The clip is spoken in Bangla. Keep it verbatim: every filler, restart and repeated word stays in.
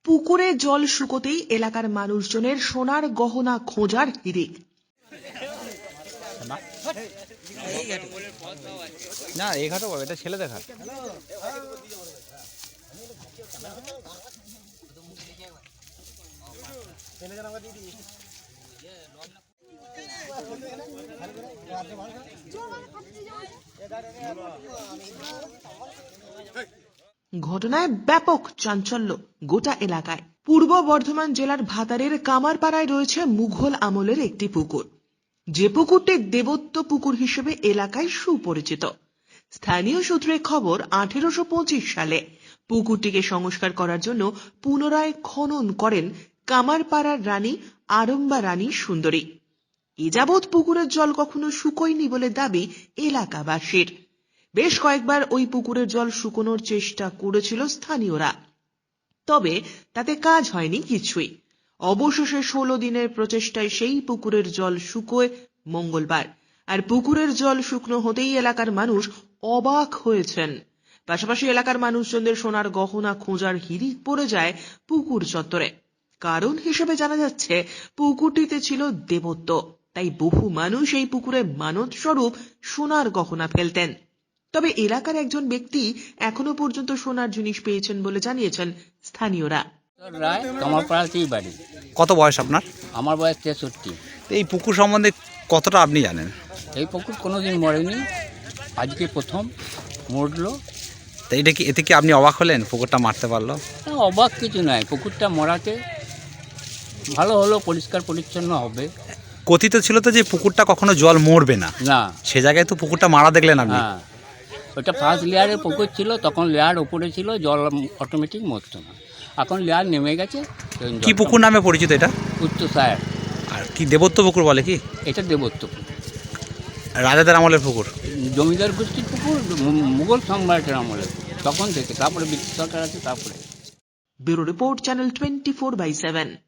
পুকুরে জল শুকোতেই এলাকার মানুষজনের সোনার গহনা খোঁজার হিড়িক। না এই ঘাটও পাবে, এটা ছেলে দেখা। ঘটনায় ব্যাপক চাঞ্চল্য গোটা এলাকায়। পূর্ব বর্ধমান জেলার ভাতারের কামারপাড়ায় রয়েছে মুঘল আমলের একটি পুকুর, যে পুকুরটি দেবত্ব পুকুর হিসেবে এলাকায় সুপরিচিত। স্থানীয় সূত্রে খবর, আঠেরোশো পঁচিশ সালে পুকুরটিকে সংস্কার করার জন্য পুনরায় খনন করেন কামারপাড়ার রানী আরম্বা রানী সুন্দরী। এ যাবৎ পুকুরের জল কখনো শুকোয়নি বলে দাবি এলাকাবাসীর। বেশ কয়েকবার ওই পুকুরের জল শুকোনোর চেষ্টা করেছিল স্থানীয়রা, তবে তাতে কাজ হয়নি কিছুই। অবশেষে ষোলো দিনের প্রচেষ্টায় সেই পুকুরের জল শুকোয় মঙ্গলবার। আর পুকুরের জল শুকনো হতেই এলাকার মানুষ অবাক হয়েছেন। পাশাপাশি এলাকার মানুষজনদের সোনার গহনা খোঁজার হিড়িক পড়ে যায় পুকুর চত্বরে। কারণ হিসেবে জানা যাচ্ছে, পুকুরটিতে ছিল দেবত্ব, তাই বহু মানুষ এই পুকুরে মানত স্বরূপ সোনার গহনা ফেলতেন। তবে এলাকার একজন ব্যক্তি এখনো পর্যন্ত সোনার জিনিস পেয়েছেন বলে জানিয়েছেন স্থানীয়রা। রায় কামারপাড়াতেই বাড়ি। কত বয়স আপনার? আমার বয়স তেষট্টি। এই পুকুর সম্বন্ধে কতটা আপনি জানেন? এই পুকুর কোনোদিন মরেনি, আজকে প্রথম মরলো। তো এটা কি, এতে কি আপনি অবাক হলেন পুকুরটা মারতে পারলো? না, অবাক কিছু নয়, পুকুরটা মরাতে ভালো হলো, পরিষ্কার পরিচ্ছন্ন হবে। কথিত ছিল তো যে পুকুরটা কখনো জল মরবে না, না সে জায়গায় তো পুকুরটা মারা দেখলেন আপনি। হ্যাঁ, ওটা ফার্স্ট লেয়ারে পুকুর ছিল, তখন লেয়ার উপরে ছিল, জল অটোমেটিক মরতো না। এখন লেয়ার নেমে গেছে। কি পুকুর নামে পরিচিত এটা? উত্তরসায়ার। আর কি দেবত্ব পুকুর বলে কি? এটা দেবত্ব পুকুর, রাজাদের আমলের পুকুর, জমিদার গোষ্ঠীর পুকুর, মুঘল সম্রাটের আমলের, তখন থেকে। তারপরে ব্রিটিশ সরকার আছে, তারপরে। Bureau report, channel twenty four by seven.